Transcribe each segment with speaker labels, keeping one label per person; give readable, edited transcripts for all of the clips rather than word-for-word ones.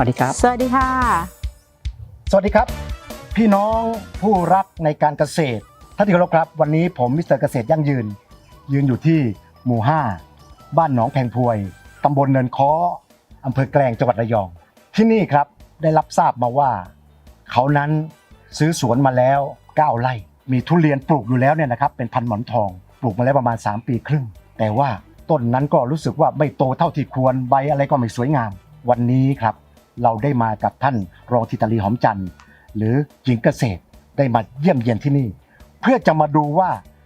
Speaker 1: วัสดีครับ
Speaker 2: สวัสดีค่ะ
Speaker 3: สวัสดีครับพี่น้องผู้รักในการเกษตรท่านที่เคารพครับวันนี้ผมมิสเตอร์เกษตรยั่งยืนอยู่ที่หมู่ 5บ้านหนองแพงพวยตำบลเนินค้ออำเภอแกลงจังหวัดระยองที่นี่ครับได้รับทราบมาว่าเขานั้นซื้อสวนมาแล้ว9 ไร่มีทุเรียนปลูกอยู่แล้วเนี่ยนะครับเป็นพันธุ์หมอนทองปลูกมาแล้วประมาณ3 ปีครึ่งแต่ว่าต้นนั้นก็รู้สึกว่าไม่โตเท่าที่ควรใบอะไรก็ไม่สวยงามวันนี้ครับเราได้มากับท่านรองธิตาลีหอมจันทร์หรือหญิงเกษตรได้มาเยี่ยมเยียนที่นี่เพื่อจะมาดูว่า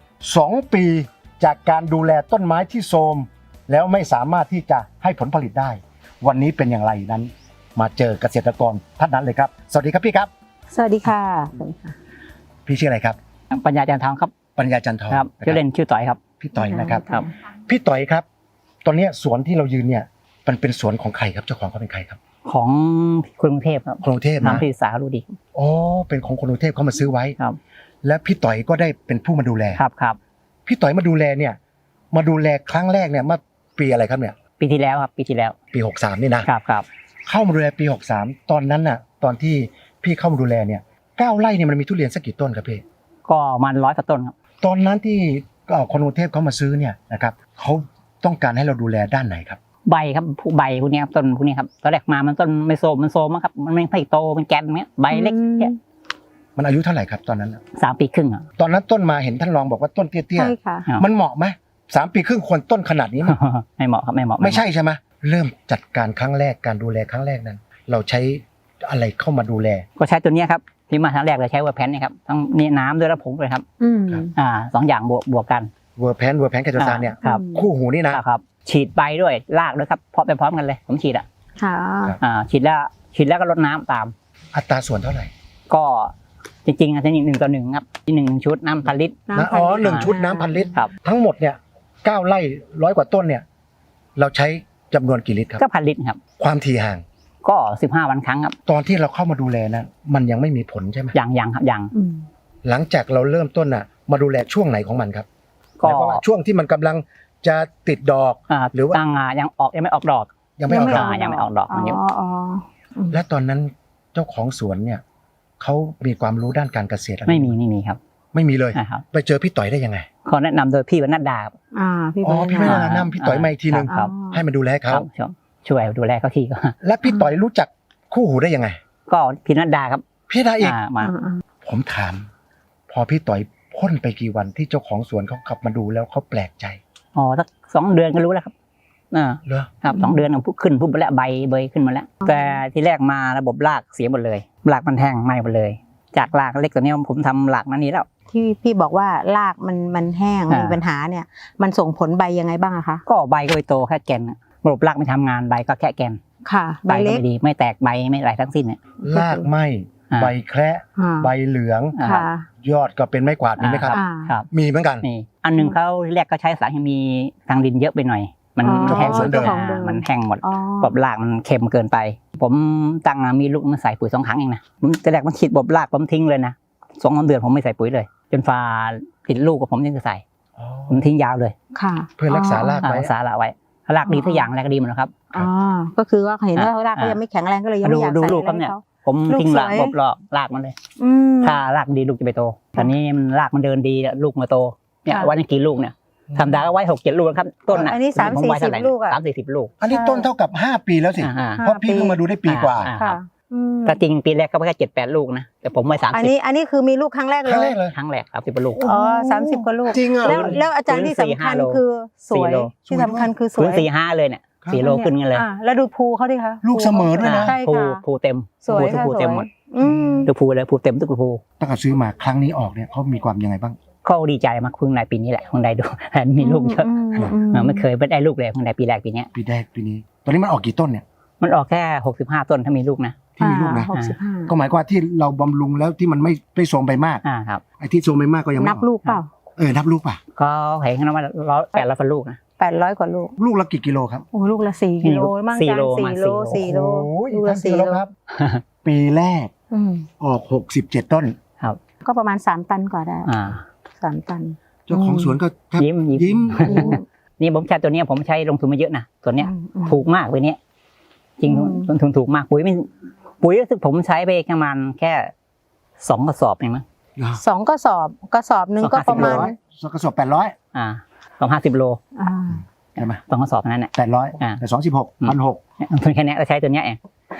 Speaker 3: 2 ปีจากการดูแลต้นไม้ที่โทรมแล้วไม่สามารถที่จะให้ผลผลิตได้วันนี้เป็นอย่างไรนั้นมาเจอเกษตรกรท่านนั้นเลยครับสวัสดีครับพี่ครับ
Speaker 2: สวัสดีค่ะ
Speaker 3: พี่ชื่ออะไรครับ
Speaker 1: ปัญญาจันทร์ทองครับ
Speaker 3: ปัญญาจันทร์ทอง
Speaker 1: ครับชื่อเล่นชื่อต่อยครับ
Speaker 3: พี่ต่อยนะครับ
Speaker 1: ครับ
Speaker 3: พี่ต่อยครับตอนนี้สวนที่เรายืนเนี่ยมันเป็นสวนของใครครับเจ้าของเขาเป็นใครครับ
Speaker 1: ของคนกรุงเทพครับ
Speaker 3: กรุงเทพนะ
Speaker 1: น้ำพิสารู้ดี
Speaker 3: อ๋อเป็นของคนกรุงเทพเขามาซื้อไว้
Speaker 1: ครับ
Speaker 3: และพี่ต่อยก็ได้เป็นผู้มาดูแล
Speaker 1: ครับ
Speaker 3: พี่ต่อยมาดูแลเนี่ยมาดูแลครั้งแรกเนี่ยเมื่อปีอะไรครับเนี่ย
Speaker 1: ปีที่แล้วครับปีที่แล้ว
Speaker 3: ปี63นี่นะครับเข้ามาดูแลปี63ตอนนั้นน่ะตอนที่พี่เข้ามาดูแลเนี่ย9 ไร่เนี่ยมันมีทุเรียนสักกี่ต้นครับพี่
Speaker 1: ก็มัน100 กว่าต้นครับ
Speaker 3: ตอนนั้นที่คนกรุงเทพเขามาซื้อเนี่ยนะครับเขาต้องการให้เราดูแลด้านไหนครับ
Speaker 1: ใบครับใบพวกนี้ครับต้นพวกนี้ครับตอนแรกมามันต้นไม่โซมมันโซมครับมันไม่โตเป็นแกนเนี้ยใบเล็กเนี่ย
Speaker 3: มันอายุเท่าไหร่ครับตอนนั้น
Speaker 1: 3 ปีครึ่งอ่ะ
Speaker 3: ตอนนั้นต้นมาเห็นท่านรองบอกว่าต้นเตี้ยๆใช่
Speaker 2: ค่ะ
Speaker 3: มันเหมาะไหม3 ปีครึ่งควรต้นขนาดนี้
Speaker 1: ไม่เหมาะครับไม่เหมาะ
Speaker 3: ไม่ใช่ใช่ไหมเริ่มจัดการครั้งแรกการดูแลครั้งแรกนั้นเราใช้อะไรเข้ามาดูแล
Speaker 1: ก็ใช้ตัวนี้ครับที่มาครั้งแรกเลยใช้เวอร์แพนนี่ครับทั้งนี่น้ำด้วยและผงเลยครับ2 อย่างบวกกัน
Speaker 3: เวอร์แพนไคโตซานเนี่ยคู่หูนี่นะครับ
Speaker 1: ฉีดใบด้วยรากด้วยครับเพราะไปพร้อมกันเลยผมฉีดฉีดแล้วก็รดน้ำตาม
Speaker 3: อัตราส่วนเท่าไหร่
Speaker 1: ก็จริงๆอันนี้1:1ครับที่1 ชุดน้ำ1,000 ลิตร
Speaker 3: อ๋อ1 ชุดน้ำ1,000 ลิตรทั้งหมดเนี่ย9 ไร่100 กว่าต้นเนี่ยเราใช้จำนวนกี่ลิตรครับ
Speaker 1: ก็1,000 ลิตรครับ
Speaker 3: ความถี่ห่าง
Speaker 1: ก็15 วันครั้งครับ
Speaker 3: ตอนที่เราเข้ามาดูแลนะมันยังไม่มีผลใช่ไหม
Speaker 1: ยังครับยัง
Speaker 3: หลังจากเราเริ่มต้นน่ะมาดูแลช่วงไหนของมันครับก็ช่วงที่มันกำลังจะติดดอก
Speaker 1: หรือว่ายังไม่ออกดอก
Speaker 3: ยังไม่ออก
Speaker 1: ดอกมันอยู่
Speaker 3: และตอนนั้นเจ้าของสวนเนี่ยเขามีความรู้ด้านการเกษตร
Speaker 1: ไม่มีครับ
Speaker 3: ไม่มีเลยไปเจอพี่ต่อยได้ยังไง
Speaker 1: เขาแนะนำโดยพี่วรรณดา
Speaker 3: พี่วรรณดาพี่ต่อยมาอีกทีนึงให้มาดูแลเขา
Speaker 1: ช่วยดูแลเขาทีก็
Speaker 3: และพี่ต่อยรู้จักคู่หูได้ยังไง
Speaker 1: ก็พี่วรรณดาครับ
Speaker 3: พี่ดาอีกผมถามพอพี่ต่อยพ่นไปกี่วันที่เจ้าของสวนเขาขับมาดูแล้วเขาแปลกใจ
Speaker 1: สัก2 เดือนก็รู้แล้วครับ
Speaker 3: เหรอ
Speaker 1: ครับ2 เดือนขึ้นพุ่มไปแล้วใบเบยขึ้นมาแล้วแต่ที่แรกมาระบบรากเสียหมดเลยรากมันแห้งไหม้หมดเลยจากรากเล็กตัวนี้ผมทำรากนั้นนี้แล้ว
Speaker 2: ที่พี่บอกว่ารากมันแห้งมีปัญหาเนี่ยมันส่งผลใบยังไงบ้างอะคะ
Speaker 1: ก็ใบก็ไปโตแค่แกนระบบรากไม่ทำงานใบก็แค่แกน
Speaker 2: ค่ะ
Speaker 1: ใบเล็กไม่ดีไม่แตกใบไม่อะไรทั้งสิ้นเนี่ย
Speaker 3: รากไหม้ใบแคระใบเหลืองยอดก็เป็นไม้กวาดมีไหมครับมีเหมือนกัน
Speaker 1: อันนึงเขาแรกก็ใช้สารเคมีทางดินเยอะไปหน่อยมันแห้งมันแห้งหมดบบรากมันเค็มเกินไปผมตั้งมีลูกมันใส่ปุ๋ย2 ครั้งเองนะผมแต่แรกมันฉีดบบรากผมทิ้งเลยนะ2 เดือนผมไม่ใส่ปุ๋ยเลยจนฟ้าติดลูกกับผมยังจะใส่ผมทิ้งยาวเลย
Speaker 3: เพื่อรักษารากไว้
Speaker 1: รากดีทุกอย่างรากดีหมดครับ
Speaker 2: ก็คือว่าเห็นว่ารากเขายังไม่แข็งแรงก็เลยยังไม่อยากใส่อะไรเขา
Speaker 1: ผมทิ้งรากมันเลยถ้ารากดีลูกจะไปโตตอนนี้มันรากมันเดินดีลูกมาโตเนี่ยวันนี้กี่ลูกเนี่ยธรรมดาก็ไว้6-7 ลูกครับต้น
Speaker 2: อันนี้30-40 ลูก
Speaker 1: 30-40 ลูก
Speaker 3: อันนี้ต้นเท่ากับ5 ปีแล้วสิเพราะพี่เพิ่งมาดูได้ปีกว่า
Speaker 1: แต่จริงปีแรกก็แค่7-8 ลูกนะแต่ผมไว้30
Speaker 2: อันนี้คือมีลูกครั้งแรกเลย
Speaker 1: ครั้งแรก30 ลูก
Speaker 2: 30 กว่าลูก
Speaker 3: จริงอ่ะ
Speaker 2: แล้วอาจารย์ที่สำคัญคือสวยที่สำคัญคือสวย
Speaker 1: 4-5เลยเนี่ย4 โลขึ้นกันเลย
Speaker 2: แล้วดูภูเขาดิคะ
Speaker 3: ลูกเสมอด้วยนะ
Speaker 1: ภูเต็มภูเต็มหมดดูภูเลยภูเต็มทุกภู
Speaker 3: ตั้งแต่ซื้อมาครั้งนี้ออกเนี่ยเขามีความยังไงบ้าง
Speaker 1: เขาดีใจมากเพิ่งได้ปีนี้แหละเพิ่งได้ดูมีลูกเยอะไม่เคยได้ลูกเลยเพิ่งได้ปีแรกปีนี้
Speaker 3: ตอนนี้มันออกกี่ต้นเนี่ย
Speaker 1: มันออกแค่65 ต้นถ้ามีลูกนะ
Speaker 3: ที่มีลูกนะก็หมายความว่าที่เราบำรุงแล้วที่มันไม่โทรมไปมาก
Speaker 1: ครับ
Speaker 3: ไอ้ที่โทรมไปมากก็ยังไม่
Speaker 2: นับลูกเปล่า
Speaker 3: นับลูกป่ะ
Speaker 1: ก็เห็นกันว่า800 ลูกนะ
Speaker 2: 800 กว่าลูก
Speaker 3: ละกี่กิโลครับ
Speaker 2: โอ้ลูกละ4 กิโลมั่ง
Speaker 1: 4 โล
Speaker 2: ลูกละ4 โล
Speaker 3: ครับปีแรกออก67 ต้น
Speaker 1: ครับ
Speaker 2: ก็ประมาณ3 ตันกว่าได้3 ตัน
Speaker 3: เจ้าของสวนก็
Speaker 1: ยิ้มนี่ผมใช้ตัวนี้ผมใช้ลงทุนมาเยอะนะตัวเนี้ยถูกมากเลยเนี้ยจริงต้นทุนถูกมากปุ๋ยรู้สึกผมใช้ไปประมาณแค่2 กระสอบเองมั้ง
Speaker 2: 2 กระสอบหนึ่งก็ประมาณ
Speaker 3: กระสอบ800
Speaker 1: 250 โล
Speaker 3: ใช่ไหม
Speaker 1: 2 กระสอบนั้นแหละ
Speaker 3: 800แต่216 1,600
Speaker 1: ทุนแค่นี้เราใช้ตัวเนี้ยเอง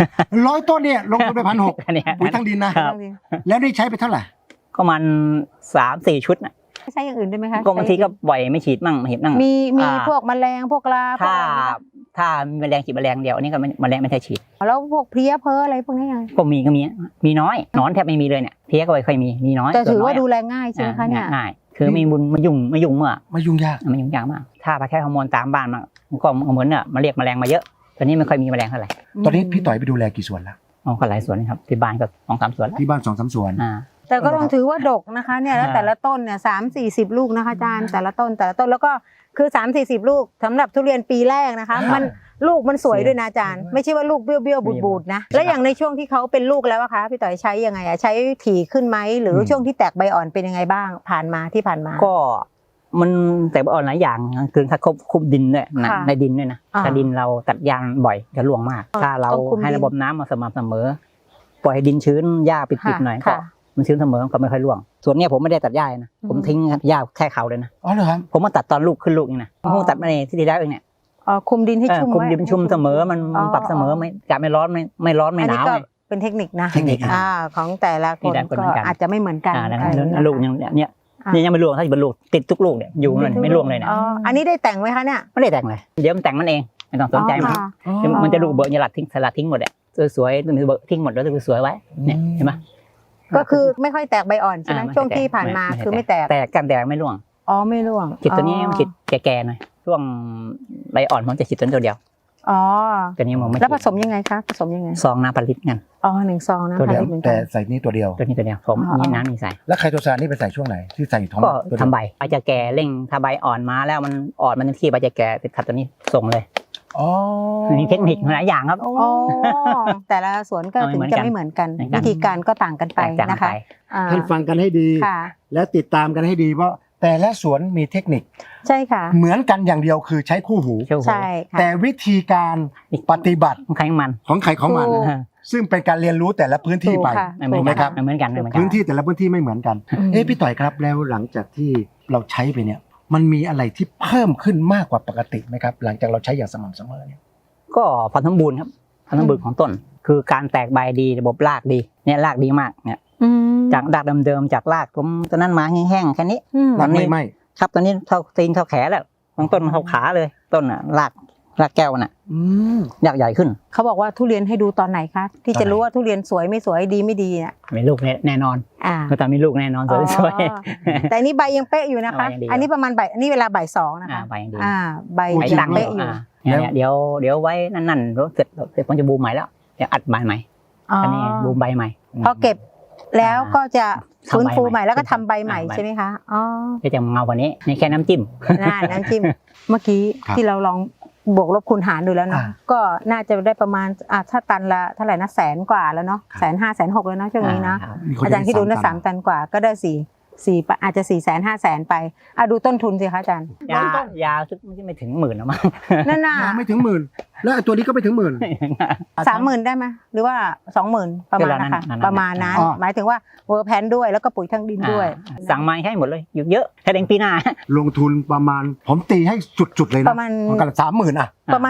Speaker 3: 100 ต้นเนี่ยลงทุนไป 1,600
Speaker 1: แค่นี้
Speaker 3: ปุ๋ยทั้งดินนะครับ แล้วได้ใช้ไปเท่าไหร่
Speaker 1: ก็มัน3-4 ชุดนะ
Speaker 2: ใช้อย่างอื่นได้ไหมคะ
Speaker 1: ก็บางทีก็บ่อยไม่ฉีดมั่งไม่ฉีดมั่ง
Speaker 2: มีพวกแมลงพวกราพวก
Speaker 1: ถ้า
Speaker 2: อะไรไหมคะ
Speaker 1: มีแมลงฉีดแมลงเดียวอันนี้ก็แมลงไม่ใช่ฉีด
Speaker 2: แล้วพวกเพลี้ยเพ้ออะไรพวกนี้ยังไง
Speaker 1: ก็มีน้อยหนอนแทบไม่มีเลยเนี่ยเพี้ยก็ไม่ค่อยมีน้อย
Speaker 2: แต่ถือว่า
Speaker 1: ส่นน้ย
Speaker 2: ดูแลง่ายใช่ไหมคะเนี่ย
Speaker 1: ง่ายคือไม่บุญไม่ยุ่งเมื่อ
Speaker 3: ไม่ยุ่งยาก
Speaker 1: มันยุ่งยากมากถ้าไปแค่ฮอร์โมนตามบ้านมันก็เหมือนเนี่ยมาเรียกแมลงมาเยอะตอนนี้ไม่ค่อยมีแมลงเท่าไหร่
Speaker 3: ตอนนี้พี่ต่อยไปดูแลกี่สวนแล้ว
Speaker 1: ก็หลายสวนนะครับที่บ้านก็2-3 สวนแล้ว
Speaker 3: ที่บ้าน 2-3 สวน
Speaker 2: แต่ก็ต้องถือว่าดกนะคะเนี่ยแล้วแต่ละต้นเนี่ย30-40 ลูกนะคะอาจารย์แต่ละต้นแล้วก็คือ30-40 ลูกสำหรับทุเรียนปีแรกนะคะลูกมันสวยด้วยนะอาจารย์ไม่ใช่ว่าลูกเบี้ยวบูดนะแล้วอย่างในช่วงที่เขาเป็นลูกแล้วอะคะพี่ต่อยใช้ยังไงอะใช้ถี่ขึ้นไหมหรือช่วงที่แตกใบอ่อนเป็นยังไงบ้างผ่านมา
Speaker 1: ก็มันแต่อ่อนหลายอย่างคือถ้าคุบดินด้วยนะในดินด้วยนะถ้าดินเราตัดยางบ่อยจะร่วงมากถ้าเราให้ระบบน้ำมาสม่ำเสมอปล่อยให้ดินชื้นหญ้าปิดๆหน่อยก็มันชื้นเสมอก็ไม่ค่อยร่วงส่วนนี้ผมไม่ได้ตัดหญ้านะผมทิ้งหญ้าแค่เขาเลยนะ
Speaker 3: อ๋อเหรอครับ
Speaker 1: ผมมาตัดตอนลูกขึ้นลูกนี่นะผมตัดมาในที่แล้วเองเนี่ย
Speaker 2: คุมดินให้ชุ่ม
Speaker 1: คุมดินชุ่มเสมอมันปรับเสมอไม่ร้อนไม่หนาว
Speaker 2: เป็นเทคนิคนะ
Speaker 3: เทคนิค
Speaker 2: ของแต่ละคนก็อาจจะไม่เหมือนกัน
Speaker 1: ลูกอย่างเนี้ยยังไม่ร่วงถ้าเป็นลูกติดทุกลูกเนี่ยอยู่เลยไม่ร่วงเลยเนี่ย
Speaker 2: อันนี้ได้แต่งไหมคะเนี่ย
Speaker 1: ไม่ได้แต่งเลยเดี๋ยวมันแต่งมันเองไม่ต้องสนใจมันจะลูกเบอร์สลัดทิ้งหมดอ่ะสวยๆเบอร์ทิ้งหมดแล้วสวยไว้เนี่ยเห็นไหม
Speaker 2: ก็คือไม่ค่อยแตกใบอ่อนใช่ไหมช่วงที่ผ่านมาคือไม่แตก
Speaker 1: กันแดดไม่ร่วง
Speaker 2: ไม่ร่วง
Speaker 1: ฉีดตัวนี้มันฉีดแก่ๆหน่อยช่วงใบอ่อนผมจะฉีดตัวเดียวตัวนี้ผมไม่
Speaker 2: แล้วผสมยังไงคะผสมยังไง
Speaker 1: ซองน้ำผลิตกัน
Speaker 2: 1 ซองน้ำผลิตเหมือนกัน
Speaker 3: แต่ใส่นี่ตัวเดียว
Speaker 1: ผมนี่น้ำมีใส่
Speaker 3: แล้วไคโตซานนี่ไปใส่ช่วงไหนที่ใส่ท้อง
Speaker 1: ก็ทำใบจะแก่เร่งถ้าใบอ่อนมาแล้วมันอ่อนมันที่ใบจะแก่ติดขัดตัวนี้ส่งเลยมีเทคนิคหลายอย่างครับ
Speaker 2: แต่ละสวนก็ถึงจะไม่เหมือนกันวิธีการก็ต่างกันไปนะคะ
Speaker 3: ท่านฟังกันให้ดีและติดตามกันให้ดีเพราะแต่ละสวนมีเทคนิค
Speaker 2: ใช่ค่ะ
Speaker 3: เหมือนกันอย่างเดียวคือใช้คู่หู
Speaker 2: ใช่ค่ะ
Speaker 3: แต่วิธีการปฏิบัติ
Speaker 1: ของใคร
Speaker 3: ของมันซึ่งเป็นการเรียนรู้แต่ละพื้นที่ไป
Speaker 1: ถูกไหมครับเหมือนกัน
Speaker 3: พื้นที่แต่ละพื้นที่ไม่เหมือนกันพี่ต่อยครับแล้วหลังจากที่เราใช้ไปเนี่ยมันมีอะไรที่เพิ่มขึ้นมากกว่าปกติไหมครับหลังจากเราใช้อย่างสม่ำเสมอเนี่ย
Speaker 1: ก็ความสมบูรณ์ครับความสมบูรณ์ของต้นคือการแตกใบดีระบบรากดีเนี่ยรากดีมากเนี่ยจากรากเดิมๆจากรากผมตอนนั้นมาแห้งๆแค่นี้
Speaker 3: ตอนนี้ไม่
Speaker 1: ครับตอนนี้เท่าตีนเท่าแขนแล้วบางต้นเท่าขาเลยต้นน่ะรากแก้วน่ะรากใหญ่ขึ้น
Speaker 2: เขาบอกว่าทุเรียนให้ดูตอนไหนคะที่จะรู้ว่าทุเรียนสวยไม่สวยดีไม่ดีเนี่ย
Speaker 1: มีลูกแน่นอนก็แต่มีลูกแน่นอนสวย
Speaker 2: แต่นี่ใบยังเป๊ะอยู่นะคะอันนี้ประมาณอันนี้เวลาบ่าย 2นะคะ
Speaker 1: ใบยังดี
Speaker 2: ใบยังเป๊ะอยู่
Speaker 1: เนี่ยเดี๋ยวไว้นั่นเสร็จผมจะบูมใหม่แล้วเดี๋ยวอัดใบใหม่อันนี้บูมใบใหม่
Speaker 2: พอเก็บแล้วก็จะฟื้นฟูใหม่แล้วก็ทำใบใหม่ใช่ไหมคะ
Speaker 1: ก็จะเงากว่านี้นี่แค่น้ำจิ้ม
Speaker 2: น้ำจิ้มเมื่อกี้ที่เราลองบวกลบคูณหารดูแล้วเนาะก็น่าจะได้ประมาณถ้าตันละเท่าไหร่นะ100,000 กว่าแล้วเนาะ150,000 160,000แล้วเนาะช่วงนี้นะอาจารย์ที่ดูนะ3 ตันกว่าก็ได้4อาจจะ400,000-500,000ไปดูต้นทุนสิคะอาจารย์
Speaker 1: ยาซึ่งไม่ถึง10,000นะมั้ง
Speaker 2: นั่นน่ะ
Speaker 3: ไม่ถึง10,000แล้วตัวนี้ก็ไม่ถึง10,000
Speaker 2: 30,000ได้ไหมหรือว่า20,000ประมาณนะคะประมาณนั้นหมายถึงว่าเวอร์แพนด้วยแล้วก็ปุ๋ยทั้งดินด้วย
Speaker 1: สั่งมาให้หมดเลยเยอะแค่เองปีหน้า
Speaker 3: ลงทุนประมาณผมตีให้จุดๆเลยนะ
Speaker 2: ประมาณ
Speaker 3: 30,000
Speaker 2: ประมาณ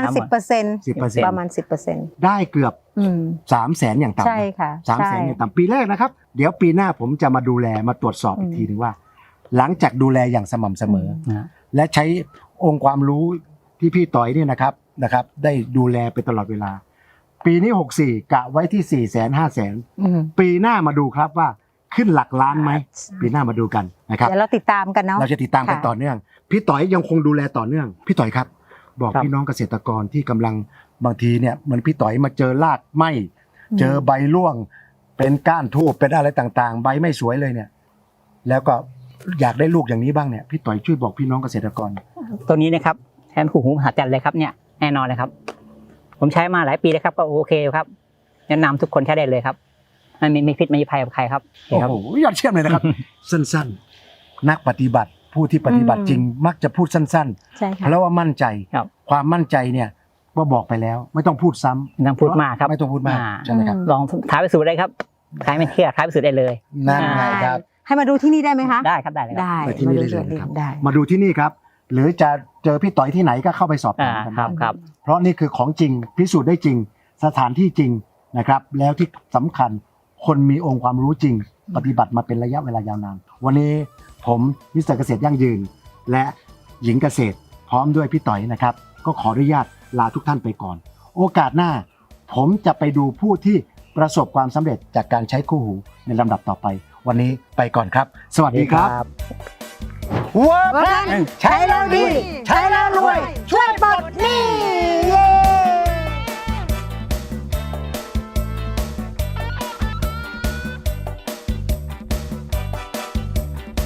Speaker 2: 10%ประมาณ 10%
Speaker 3: ได้เกือบ300,000อย่างต่ำ
Speaker 2: ใช่ค่ะ
Speaker 3: 300,000อย่างต่ำปีแรกนะครับเดี๋ยวปีหน้าผมจะมาดูแลมาตรวจสอบอีกทีนึงว่าหลังจากดูแลอย่างสม่ำเสมอและใช้องค์ความรู้ที่พี่ต่อยเนี่ยนะครับได้ดูแลไปตลอดเวลาปีนี้64กะไว้ที่400,000-500,000ปีหน้ามาดูครับว่าขึ้นหลักล้านไหมปีหน้ามาดูกันนะครับ
Speaker 2: เดี๋ยวเราติดตามกันเนาะ
Speaker 3: เราจะติดตามกันต่อเนื่องพี่ต่อยยังคงดูแลต่อเนื่องพี่ต่อยครับบอกพี่น้องเกษตรกรที่กำลังบางทีเนี่ยเหมือนพี่ต่อยมาเจอรากไหมเจอใบร่วงเป็นก้านทูบเป็นอะไรต่างๆใบไม่สวยเลยเนี่ยแล้วก็อยากได้ลูกอย่างนี้บ้างเนี่ยพี่ต่อยช่วยบอกพี่น้องเกษตรกร
Speaker 1: ตัวนี้นะครับแทนคู่หูมหัศจรรย์เลยครับเนี่ยแน่นอนเลยครับผมใช้มาหลายปีแล้วครับก็โอเคครับแนะนำทุกคนใช้ได้เลยครับไม่พิษไม่ภัยกับใครครับ
Speaker 3: โอ้โหยอดเยี่ยมเลยนะครับ สั้นๆนักปฏิบัติผู้ที่ปฏิบัติจริงมักจะพูดสั้นๆเพราะว่ามั่นใจความมั่นใจเนี่ยว่าบอกไปแล้วไม่ต้องพูดซ้ำ
Speaker 1: ไม่ต้องพูดมากครับ
Speaker 3: ไม่ต้องพูดมาก
Speaker 1: อ่า
Speaker 3: ใช่ไหมครับ
Speaker 1: ลองท้าพิสูจน์ได้ครับใครไม่เชื่อท้าพิสูจน์ได้เลย
Speaker 3: นั่นไงครับ
Speaker 2: ให้มาดูที่นี่ได้ไหมคะ
Speaker 1: ได้ครับได้เลยครับ
Speaker 2: ได้
Speaker 3: ไปที่นี่ได้เลยนะครับ
Speaker 2: ได้
Speaker 3: มาดูที่นี่ครับ หรือจะเจอพี่ต่อยที่ไหนก็เข้าไปสอบถามกัน
Speaker 1: ครับ
Speaker 3: ได้
Speaker 1: ครับ
Speaker 3: เพราะนี่คือของจริงพิสูจน์ได้จริง สถานที่จริงนะครับ แล้วที่สำคัญคนมีองค์ความรู้จริง ปฏิบัติมาเป็นระยะเวลายาวนานวันนี้ผมมิสเตอร์เกษตรยั่งยืน และหญิงเกษตร พร้อมด้วยพี่ต่อยนะครับ ก็ขออนุญาตลาทุกท่านไปก่อน โอกาสหน้า ผมจะไปดูผู้ที่ประสบความสำเร็จจากการใช้คู่หูในลำดับต่อไป วันนี้ไปก่อนครับ สวัสดีครับ เวิร์กแพลนใช้แล้วดี ใช้แล้วรวย ช่วยไป